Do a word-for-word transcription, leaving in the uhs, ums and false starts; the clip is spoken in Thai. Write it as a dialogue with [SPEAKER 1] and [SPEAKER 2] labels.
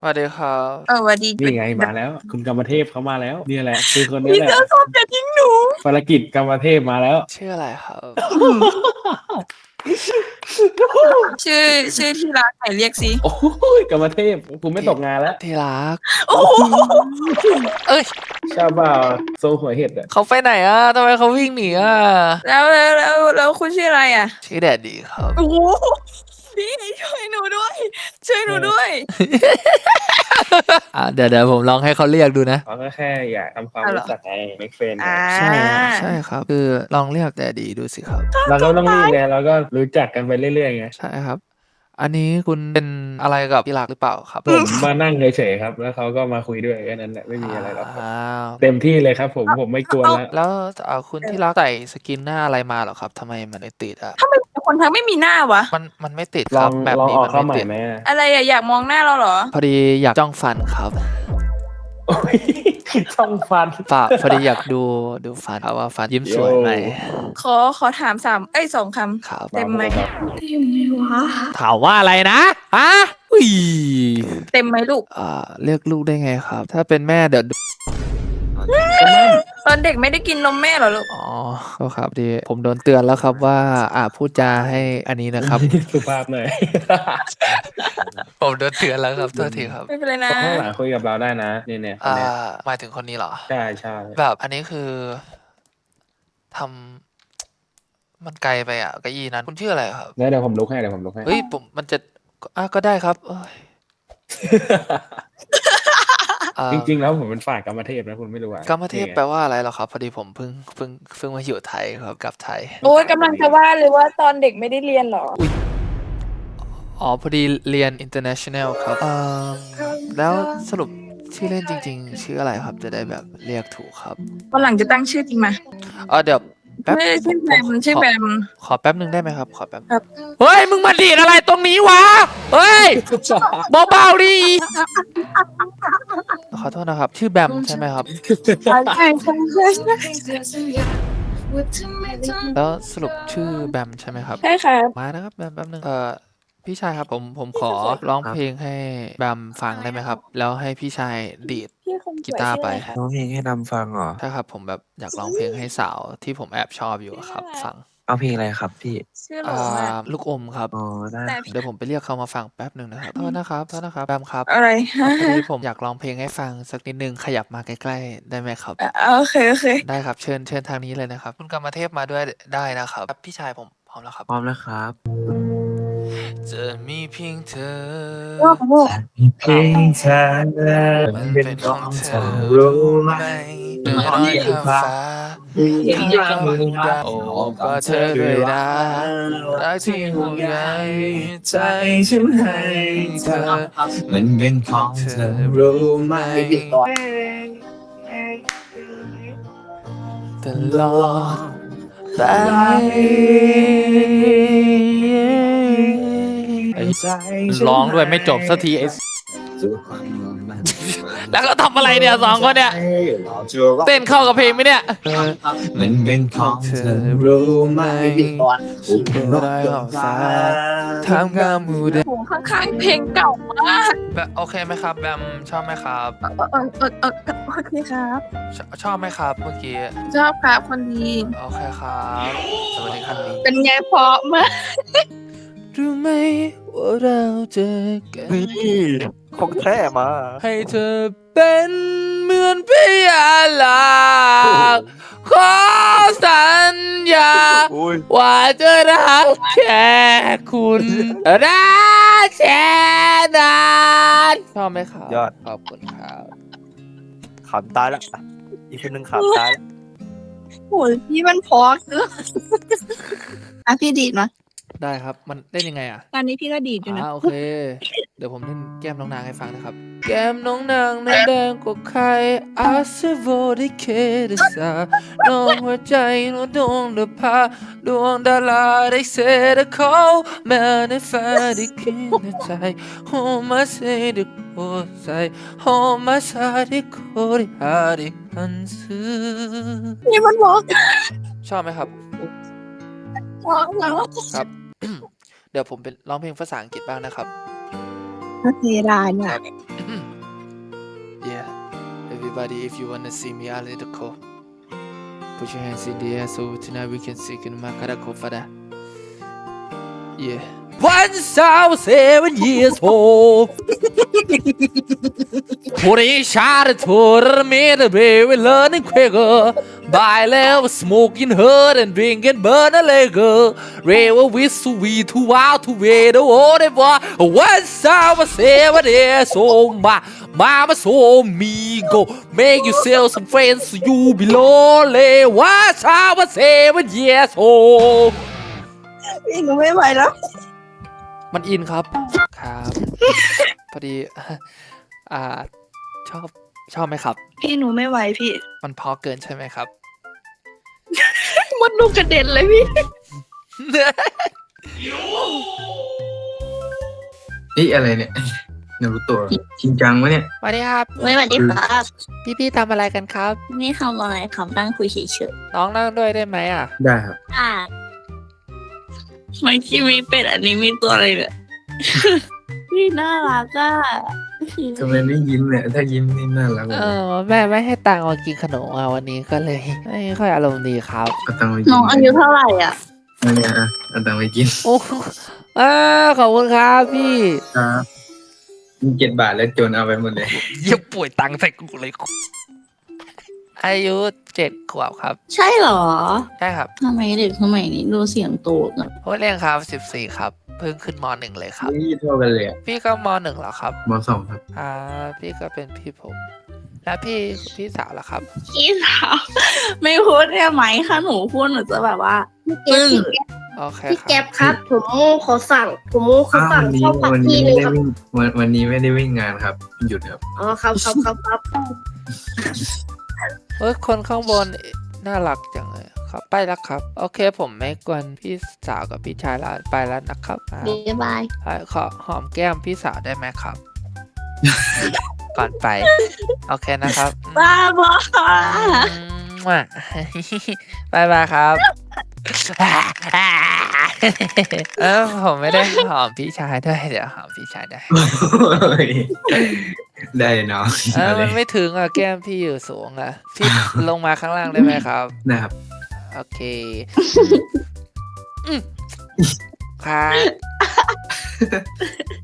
[SPEAKER 1] สวัสดีครับ
[SPEAKER 2] เออสวัสดี
[SPEAKER 3] นี่ไงมาแล้ว คุณกรรมเทพเขามาแล้วนี่แหละคือคนนี้
[SPEAKER 2] พี่
[SPEAKER 3] แหละ
[SPEAKER 2] เสื้อส้มอย่าทิ้งหนู
[SPEAKER 3] ภารกิจกรรมเทพมาแล้ว
[SPEAKER 1] ชื่ออะไรครับ
[SPEAKER 2] ชื่อชื่อที่รักไหนเรียกสิ
[SPEAKER 3] โอ้ยกรรมเทพคุณไม่ตกงานแล้ว
[SPEAKER 1] ที่รัก
[SPEAKER 2] โอ้โห
[SPEAKER 1] เอ้ย
[SPEAKER 3] ชาบ่าโซหัวเห็ดอ่ะ
[SPEAKER 1] เขาไปไหนอ่ะทำไมเขาวิ่งหนีอ่ะ
[SPEAKER 2] แล้วแล้วแล้วแล้วคุณชื่ออะไรอ่ะ
[SPEAKER 1] ชื่อแดดดีครับ
[SPEAKER 2] โอ้โหพี่ช่วยหนูด้วย ช่วยหนูด้วย
[SPEAKER 1] อ่ะเดี๋ยวเดี๋ยวผมลองให้เขาเรียกดูนะ
[SPEAKER 3] เขาก็แค่อยากทำความ
[SPEAKER 2] เอาเหรอ
[SPEAKER 3] รู้จักไงเมกเฟน
[SPEAKER 2] อ่า
[SPEAKER 1] ใช่ใช่ครับ คือลองเรียกแดดดีดูสิครับ
[SPEAKER 3] เราก็ต้องรีบไงเราก็รู้จักกันไปเรื่อยๆไง
[SPEAKER 1] ใช่ครับ อันนี้คุณเป็นอะไรกับที่รักหรือเปล่าครับ
[SPEAKER 3] ผมมานั่งเฉยๆครับ แล้วเขาก็มาคุยด้วยแค่นั้นแหละไม่มีอะไรหรอกครับ
[SPEAKER 1] อ้าว
[SPEAKER 3] เต็มที่เลยครับ ผมผมไม่กลัวแล้ว
[SPEAKER 1] แล้วเอ่อคุณที่รักใส่สกินหน้าอะไรมาเหรอครับทำไมมันไม่ติดอ่ะ
[SPEAKER 2] ทำไมคนทั้งไม่มีหน้าวะ
[SPEAKER 1] มันมันไม่ติด
[SPEAKER 3] ล
[SPEAKER 1] ค
[SPEAKER 3] อ
[SPEAKER 1] รั
[SPEAKER 3] ง
[SPEAKER 1] บแบบ
[SPEAKER 3] ลอง
[SPEAKER 1] นี้
[SPEAKER 3] ออ
[SPEAKER 1] มั
[SPEAKER 3] ก
[SPEAKER 1] น
[SPEAKER 3] เข้า
[SPEAKER 1] ไม่
[SPEAKER 3] ใหม่
[SPEAKER 1] ติด
[SPEAKER 3] ไหมอะ
[SPEAKER 2] อะไรอะอยากมองหน้าเราเหรอ
[SPEAKER 1] พอดีอยากจ้องฟันครับ
[SPEAKER 3] โอ้ยช่องฟัน
[SPEAKER 1] เปล่าพอดีอยากดูดูฟันครับว่าฟันยิ้มสวยไหม
[SPEAKER 2] ขอขอถามสามเอ้ยสองค
[SPEAKER 1] ครับ
[SPEAKER 2] ำเต็มไหม
[SPEAKER 3] ครับ
[SPEAKER 2] เต็มไหมวะ
[SPEAKER 1] ถามว่าอะไรนะฮะอุ้ย
[SPEAKER 2] เต็มไหมลูก
[SPEAKER 1] อ่าเรียกลูกได้ไงครับ ถ้าเป็นแม่เดี๋ยว
[SPEAKER 2] ตอนเด็กไม่ได้กินนมแม่เหรอลูก
[SPEAKER 1] อ๋อก็ครับดีผมโดนเตือนแล้วครับว่า อ่าพูดจาให้อันนี้นะครับ
[SPEAKER 3] สุภาพหน่อย
[SPEAKER 1] ผมโดนเตือนแล้วครับโทษทีครับ
[SPEAKER 2] ไม่เป็นไรนะ
[SPEAKER 3] ข้างหลังคุยกับเราได้นะเนี่ยเนี่ยคน
[SPEAKER 1] อ่า
[SPEAKER 3] เนี้ย
[SPEAKER 1] หมายถึงคนนี้เหรอ
[SPEAKER 3] ใช่ใช่
[SPEAKER 1] แบบอันนี้คือทำมันไกลไปอ่ะเก้าอี้นั้นคุณชื่ออะไรครับ
[SPEAKER 3] แล้วเดี๋ยวผมลุกให้เดี๋ยวผมลุกให้
[SPEAKER 1] เฮ้ยผมมันจะอ่ะก็ได้ครับเอ้ยอ่า
[SPEAKER 3] จริงๆแล้วผมเป็นฝ่ายกรรมเทพนะคุณไม่รู้อ่ะ
[SPEAKER 1] กรรมเทพแปลว่าอะไรเหรอครับ พอดีผมเพิ่งเพิ่งเพิ่งมาอยู่ไทยครับกลับไทย
[SPEAKER 2] โอ้ยกำลังจะว่าเลยว่าตอนเด็กไม่ได้เรียนเหรอ
[SPEAKER 1] อ๋อพอดีเรียน international ครับเอ่อแล้วสรุปชื่อเล่นจริง ๆ ชื่ออะไรครับจะได้แบบเรียกถูกครับ
[SPEAKER 2] วันหลังจะตั้งชื่อจริงมา
[SPEAKER 1] เออเดี๋ยวแป๊บ
[SPEAKER 2] ไม่ได้ชื่อแบม
[SPEAKER 1] ผม
[SPEAKER 2] ชื่อ
[SPEAKER 1] ขอ
[SPEAKER 2] แบม
[SPEAKER 1] ขอแป๊บหนึ่งได้ไหมครับ ขอแป๊บ
[SPEAKER 2] ครับ
[SPEAKER 1] เฮ้ยมึงมาดีดอะไรตรงนี้วะเฮ้ยเบาๆดิขอโทษนะครับ ชื่อแบมใช่ไหมครับ
[SPEAKER 2] ใช่ใช่ใช่ใช่
[SPEAKER 1] แล้วสรุปชื่อแบมใช่ไหมครับ
[SPEAKER 2] ใช่ค่ะ
[SPEAKER 1] มานะครับแบมแป๊บนึงเอ่อพี่ชายครับผมผมขอร้องเพลงให้แบมฟังได้ไหมครับ แล้วให้พี่ชายดีด
[SPEAKER 2] พี่คนสวย
[SPEAKER 1] กีตาร์ไป
[SPEAKER 2] ชื่ออะ
[SPEAKER 4] ร้องเพลงให้ดำฟังเหรอ
[SPEAKER 1] ถ้าครับผมแบบอยากร้องเพลงให้สาวที่ผมแอบชอบอยู่อะครับ ฟัง
[SPEAKER 4] เอาเพลงอะไรครับพี่
[SPEAKER 2] ชื่อหล
[SPEAKER 1] อ่
[SPEAKER 2] งอะ
[SPEAKER 1] าลูกอมครับ
[SPEAKER 4] อ๋อ ได้
[SPEAKER 2] แต่
[SPEAKER 1] เดี๋ยวผมไปเรียกเขามาฟังแป๊บหนึ่งนะครับโทษนะครับโทษนะครับแบมครับ
[SPEAKER 2] อะไรฮะ
[SPEAKER 1] พอดีผมอยากร้องเพลงให้ฟังสักนิดนึงขยับมาใกล้ๆได้ไหมครับ
[SPEAKER 2] อ่ะโอเคโอเค
[SPEAKER 1] ได้ครับเชิญเชิญทางนี้เลยนะครับ คุณกรรมเทพมาด้วยได้นะครับพี่ชายผมพร้อมแล้วครับ
[SPEAKER 4] พร้อมแล้วครับ
[SPEAKER 1] จะมีเพียงเธอ
[SPEAKER 4] เพลงเธอ
[SPEAKER 1] มันเป็นของเธอรู้ไหมเดินร้อยข้ามฟ้าข้ามมือดาวโอบกอดเธอด้วยนะรักที่ห่วงใยใจฉันให้เธอ
[SPEAKER 4] มันเป็นของเธอ
[SPEAKER 1] รู้ไหมตลอดไปร้องด้วยไม่จบสักทีไอ้แล้วก็ทำอะไรเนี่ยสองคนเนี่ยเต้นเข้ากับเพลงไหมเนี่ย
[SPEAKER 4] มันเป็นของเธอ
[SPEAKER 1] รู้ไหมฉันเป็นได้ของฟ้าทำกลางหมู่เด็ก
[SPEAKER 2] โหข้างๆเพลงเก่ามาก
[SPEAKER 1] แบบโอเคไหมครับแบมชอบไหมครับ
[SPEAKER 2] เออเออเออเออโอเคครับ
[SPEAKER 1] ชชอบไหมครับเมื่อกี้
[SPEAKER 2] ชอบครับคนดี
[SPEAKER 1] โอเคครับสวัสดีครับนี้
[SPEAKER 2] เป็นไงเพราะมาก
[SPEAKER 1] รู้ไหมว่าเราเจอกัน
[SPEAKER 4] นี่ของแท้มา
[SPEAKER 1] ให้เธอเป็นเหมือนพยาหลักขอสัญญา
[SPEAKER 4] อุ้ย
[SPEAKER 1] ว่าจะรักแค่คุณรักแค่นั้นชอบไหมครับ
[SPEAKER 4] ยอด
[SPEAKER 1] ขอบคุณครับ
[SPEAKER 4] ขำตายแล้วอีกคนหนึ่งขำตายแล้ว
[SPEAKER 2] โหพี่มันเพราะเกินอ่ะพี่ดีดมา
[SPEAKER 1] ได้ครับมันเล่นยังไงอ่ะ
[SPEAKER 2] ตอนนี้พี่ก็ดีดอยู่นะ
[SPEAKER 1] อ่าโอเค เดี๋ยวผมเล่นแก้มน้องนางให้ฟังนะครับ แก้มน้องนางนั้นแดงกว่าใครอาเซโวได้เคดสาน้องหัวใจน้องดวงเดือพาดวงดาราได้เสดเขาแม้ในฝันได้คิดในใจโฮมาเซได้โคใจโฮมาซาได้โคได้หาได้หันซื้อ
[SPEAKER 2] นี่มันเพราะ
[SPEAKER 1] ชอบไหมครับ
[SPEAKER 2] เพราะแล้ว
[SPEAKER 1] ครับ เดี๋ยวผมเป็นร้องเพลงภาษาอังกฤษบ้างนะครับ
[SPEAKER 2] โอเคได้เนี่ย
[SPEAKER 1] Yeah everybody if you wanna see me out in the cold put your hands in the air so tonight we can sing in my karaoke for that yeah once I was seven years old putting shot to the middle baby learning quicker by level smoking hurt and drinking burn a liquor Revel with sweet to wow to wait the water boy once I was seven years old my mama told me go make yourself some friends so you be lonely once I was seven years old
[SPEAKER 2] พี่หนูไม่ไหวแล้ว
[SPEAKER 1] มันอินครับ ครับ พอดี อ่า ชอบ ชอบไหมครับ
[SPEAKER 2] พี่หนูไม่ไหวพี่
[SPEAKER 1] มันพอเกินใช่ไหมครับ
[SPEAKER 2] มดลูกกระเด็นเลยพี่
[SPEAKER 5] นี่อะไรเนี่ยนารูโตะจริงจังวะเนี่ย
[SPEAKER 1] สวัสดีครับ
[SPEAKER 6] ไม่สวัสดีครับ
[SPEAKER 1] พี่ๆทำอะไรกันครับ
[SPEAKER 6] นี่ทำอะไรครับนั่งคุยเฉย
[SPEAKER 1] น้องนั่งด้วยได้ไหมอ่ะ
[SPEAKER 5] ได้ครับ
[SPEAKER 6] ๆอ่าไม่คิดมีเป็ดอันนี้มีตัวอะไรเนี่ย นี่น่ารักอ่ะ
[SPEAKER 5] ทำไมไม่ยิ้มเนี่ยถ้ายิ้มนี่น่ารักเล
[SPEAKER 1] เอย อ แม่ไม่ให้ตังค์มากินขนมอ่ะวันนี้ก็เลย ไม่ค่อยอารมณ์ดีครับ
[SPEAKER 5] เอาตังค์ไปกิน
[SPEAKER 6] น้องอายุเท่าไหร่อ่ะ
[SPEAKER 5] อันเนี้ยอ่ะเอาตังค์ไปกิน
[SPEAKER 1] โอ้อ่าขอบคุณครับพี่
[SPEAKER 5] ครับมีเจ็ดบาทแล้วโจนเอาไปหมดเลย
[SPEAKER 1] เยี่ยป่วยตังค์ใส่กูเลย อายุเจ็ดขวบครับ
[SPEAKER 6] ใช่เหรอ
[SPEAKER 1] ใช่ครับ
[SPEAKER 6] ทำไมเด็กสมัยนี้ดูเสียงโตกัน
[SPEAKER 1] โอ้เรียงครับสิบสี่ครับ เพิ่งขึ้นมหนึ่งเลยครับ
[SPEAKER 5] นี่เท่ากันเลยอะ
[SPEAKER 1] พี่ก็มหนึ่งแล้วครับ
[SPEAKER 5] มสองครับ
[SPEAKER 1] อ่า พี่ก็เป็นพี่ผม แล้วพี่พี่สาวล่ะครับ
[SPEAKER 6] พี่สาวไม่พูดได้ไหมคะหนูพูดหนูจะแบบว่า
[SPEAKER 7] พี่แก๊ป
[SPEAKER 6] ปึ้ง
[SPEAKER 7] พี่แก๊ป
[SPEAKER 1] โอเค
[SPEAKER 7] พี่
[SPEAKER 1] ค
[SPEAKER 7] แก๊
[SPEAKER 1] รับ
[SPEAKER 7] ปครับ ผมขอสั่ง ผมขอ
[SPEAKER 5] อ้าว
[SPEAKER 7] สั่ง
[SPEAKER 5] วันนี้
[SPEAKER 7] ข้าวผัด
[SPEAKER 5] วันนี้
[SPEAKER 7] ที่หนึง
[SPEAKER 5] ไม่
[SPEAKER 7] ค
[SPEAKER 5] ได้
[SPEAKER 7] รับ
[SPEAKER 5] วิ่งวันวันนี้ไม่ได้วิ่งงานครับหยุดครับ
[SPEAKER 7] อ๋อครับครับครับครับ
[SPEAKER 1] เฮ้ย คนข้างบนน่ารักจังเลยครับ ไปแล้วครับ โอเค ผมไม่กวนพี่สาวกับพี่ชายแล้วไปแล้วนะครับอ่า
[SPEAKER 7] บ๊ายบาย
[SPEAKER 1] อ่าขอหอมแก้มพี่สาวได้ไหมครับ ก่อนไป โอเคนะครับ
[SPEAKER 6] บ้าบอ
[SPEAKER 1] อืมว่ะ บายบายครับ เออผมไม่ได้หอมพี่ชายด้วยเดี๋ยวหอมพี่ชายได้
[SPEAKER 5] ได้เนาะ
[SPEAKER 1] เออมันไม่ถึงอ่ะแก้มพี่อยู่สูงอ่ะพี่ลงมาข้างล่างได้ไหมครับ
[SPEAKER 5] นะครับ
[SPEAKER 1] โอเคอืมครับ